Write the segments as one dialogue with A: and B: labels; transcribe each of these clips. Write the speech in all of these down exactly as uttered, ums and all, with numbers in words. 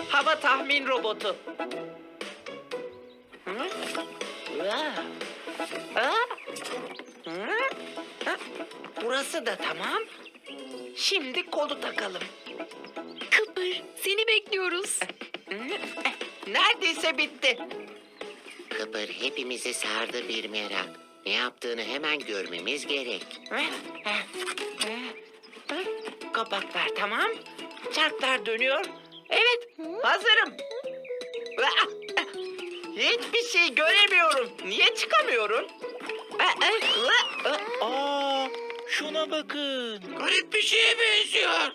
A: hava tahmin robotu. Hı? Aa. Aa. Hı? Ha? Burası da tamam. Şimdi kolu takalım.
B: Kıpır, seni bekliyoruz.
A: Hı? Neredeyse bitti.
C: Kıpır hepimizi sardı bir merak. Ne yaptığını hemen görmemiz gerek.
A: Hı? Hı? Hı? Hı? Kapaklar tamam. Çarklar dönüyor. Evet, hazırım. Aa! Hiçbir şey göremiyorum. Niye çıkamıyorum? Aa, aa, aa.
D: Aa, şuna bakın.
C: Garip bir şeye benziyor.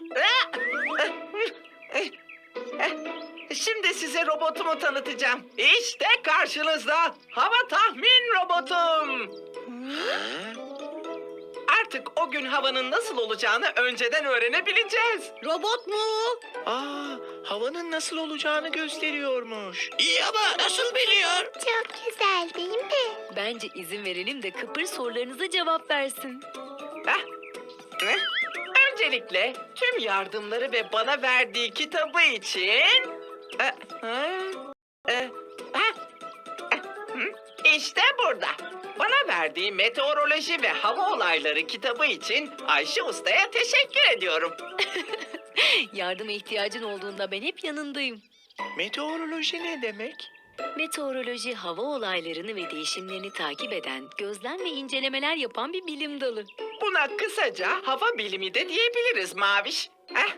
A: Şimdi size robotumu tanıtacağım. İşte karşınızda hava tahmin robotum.
C: Ha?
A: Artık o gün havanın nasıl olacağını önceden öğrenebileceğiz.
B: Robot mu?
D: Aa, havanın nasıl olacağını gösteriyormuş.
C: İyi ama nasıl biliyor?
E: Çok güzel değil mi?
B: Bence izin verelim de Kıpır sorularınıza cevap versin.
A: Heh. Heh. Öncelikle tüm yardımları ve bana verdiği kitabı için... Ee, hı? Ee, heh. Eh, hı? İşte burada. Bana verdiği meteoroloji ve hava olayları kitabı için Ayşe Usta'ya teşekkür ediyorum.
B: Yardıma ihtiyacın olduğunda ben hep yanındayım.
D: Meteoroloji ne demek?
B: Meteoroloji, hava olaylarını ve değişimlerini takip eden, gözlem ve incelemeler yapan bir bilim dalı.
A: Buna kısaca hava bilimi de diyebiliriz Maviş. Heh.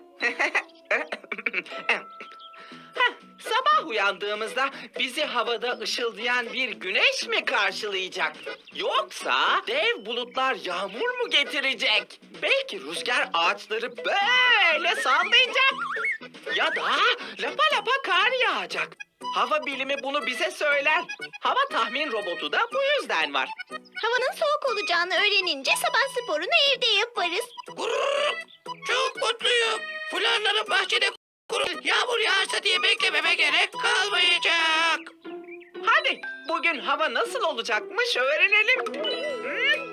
A: Heh, sabah uyandığımızda bizi havada ışıldayan bir güneş mi karşılayacak? Yoksa dev bulutlar yağmur mu getirecek? Belki rüzgar ağaçları böyle sallayacak. Ya da lapa lapa kar yağacak. Hava bilimi bunu bize söyler. Hava tahmin robotu da bu yüzden var.
E: Havanın soğuk olacağını öğrenince sabah sporunu evde yaparız.
C: Gurur! Çok mutluyum. Fularları bahçede kurul. Yağmur yağarsa diye beklememe gerek kalmayacak.
A: Hadi bugün hava nasıl olacakmış öğrenelim. Hmm.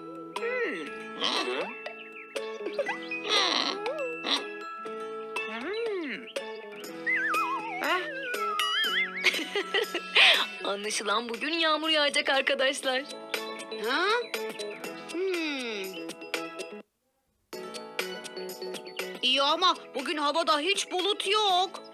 A: Hmm. Hmm. Heh.
B: Anlaşılan bugün yağmur yağacak arkadaşlar.
E: Ha? Hmm. İyi ama bugün havada hiç bulut yok.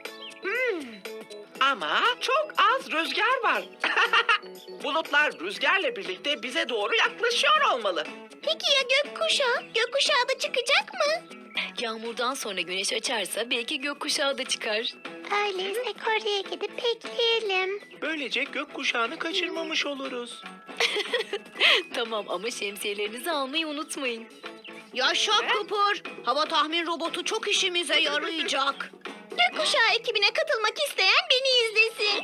A: Ama çok az rüzgar var. Bulutlar rüzgarla birlikte bize doğru yaklaşıyor olmalı.
E: Peki ya gökkuşağı? Gökkuşağı da çıkacak mı?
B: Yağmurdan sonra güneş açarsa belki gökkuşağı da çıkar.
E: Öyleyse Kore'ye gidip bekleyelim.
D: Böylece gökkuşağını kaçırmamış oluruz.
B: Tamam ama şemsiyelerinizi almayı unutmayın.
E: Yaşa Kıpır. Hava tahmin robotu çok işimize yarayacak. Gökkuşağı ekibine katılmak isteyen beni izlesin.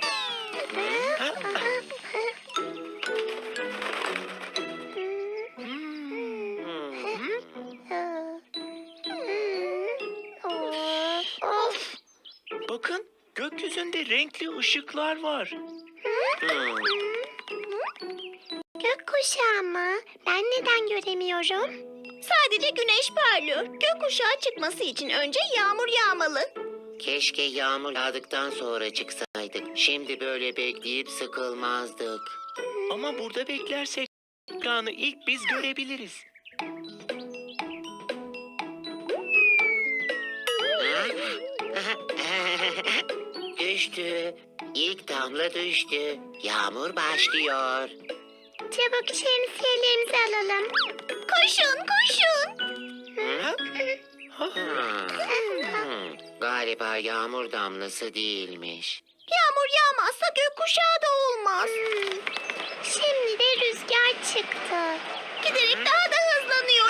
A: Of.
D: Bakın, gökyüzünde renkli ışıklar var.
C: Hmm.
E: Gökkuşağı mı? Ben neden göremiyorum? Sadece güneş parlıyor. Gökkuşağı çıkması için önce yağmur yağmalı.
C: Keşke yağmur yağdıktan sonra çıksaydık. Şimdi böyle bekleyip sıkılmazdık.
D: Ama burada beklersek ekranı ilk biz görebiliriz.
C: Düştü. İlk damla düştü. Yağmur başlıyor.
E: Çabuk şemsiyelerimizi alalım. Koşun, koşun.
D: Ha? Ha?
C: Hmm, Galiba yağmur damlası değilmiş.
E: Yağmur yağmazsa gökkuşağı da olmaz. Şimdi de rüzgar çıktı. Giderek daha da hızlanıyor.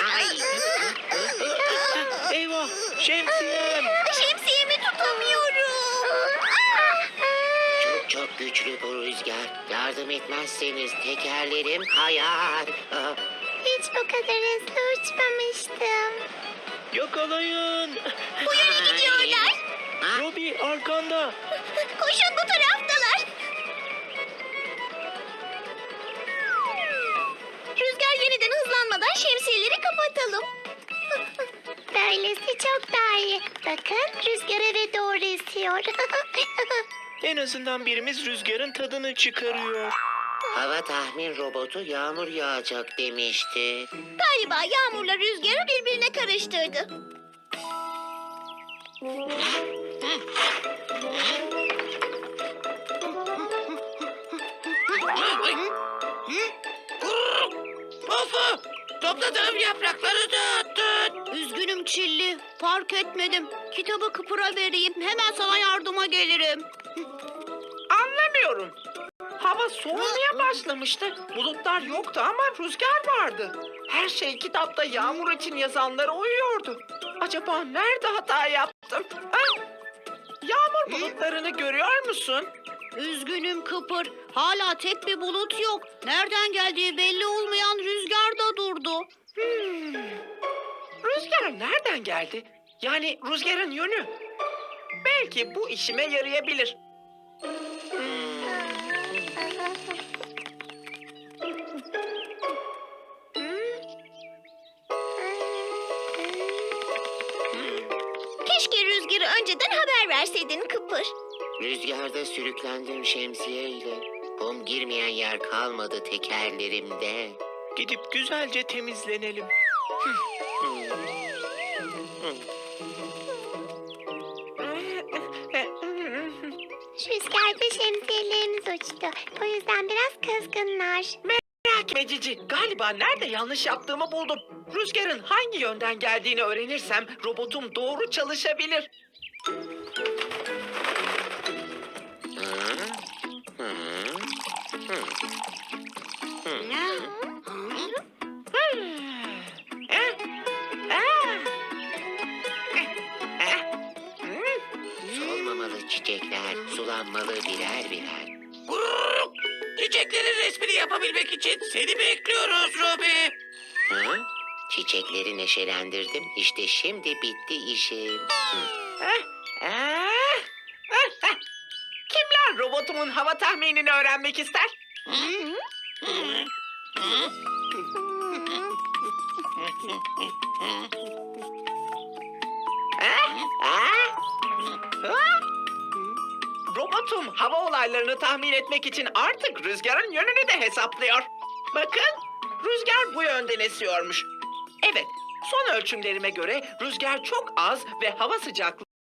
D: Eyvah, şemsiyem.
E: Şemsiyemi tutamıyorum.
C: Çok çok güçlü bu rüzgar. Yardım etmezseniz tekerlerim kayar. Ah,
E: Hiç bu kadar hızlı uçmamıştım.
D: Yakalayın.
E: Bu yöne gidiyorlar.
D: Robi arkanda.
E: Koşun, bu taraftalar. Rüzgar yeniden hızlanmadan şemsiyeleri kapatalım. Böylesi çok daha iyi. Bakın rüzgar eve doğru esiyor.
D: En azından birimiz rüzgarın tadını çıkarıyor.
C: Hava tahmin robotu yağmur yağacak demişti.
E: Galiba yağmurla rüzgarı birbirine karıştırdı.
C: Pofu! Topladığım yaprakları dağıttın.
E: Üzgünüm Çilli. Fark etmedim. Kitabı Kıpır'a vereyim. Hemen sana yardıma gelirim.
A: Anlamıyorum. Hava soğumaya başlamıştı. Bulutlar yoktu ama rüzgar vardı. Her şey kitapta yağmur için yazanlara uyuyordu. Acaba nerede hata yaptım? Ha? Yağmur bulutlarını görüyor musun?
E: Üzgünüm Kıpır. Hala tek bir bulut yok. Nereden geldiği belli olmayan rüzgar da durdu.
A: Hmm. Rüzgar nereden geldi? Yani rüzgarın yönü. Belki bu işime yarayabilir.
E: Keşke rüzgarı önceden haber verseydin Kıpır.
C: Rüzgarda sürüklendim şemsiyeyle. Kum girmeyen yer kalmadı tekerlerimde.
D: Gidip güzelce temizlenelim.
E: Rüzgarda şemsiyelerimiz uçtu. O yüzden biraz kızgınlar.
A: Merak etme Cici. Galiba nerede yanlış yaptığımı buldum. Rüzgarın hangi yönden geldiğini öğrenirsem robotum doğru çalışabilir. Eh, ah. Eh, eh. Hmm.
C: Solmamalı çiçekler, sulanmalı birer birer. Çiçeklerin resmini yapabilmek için seni bekliyoruz Robi. Hı? Çiçekleri neşelendirdim. İşte şimdi bitti işim. Hı.
A: Eh, eh, eh, eh. Kimler robotumun hava tahminini öğrenmek ister? Eh, ah, ah. Robotum hava olaylarını tahmin etmek için artık rüzgarın yönünü de hesaplıyor. Bakın, rüzgar bu yönden esiyormuş. Evet, son ölçümlerime göre rüzgar çok az ve hava sıcaklığı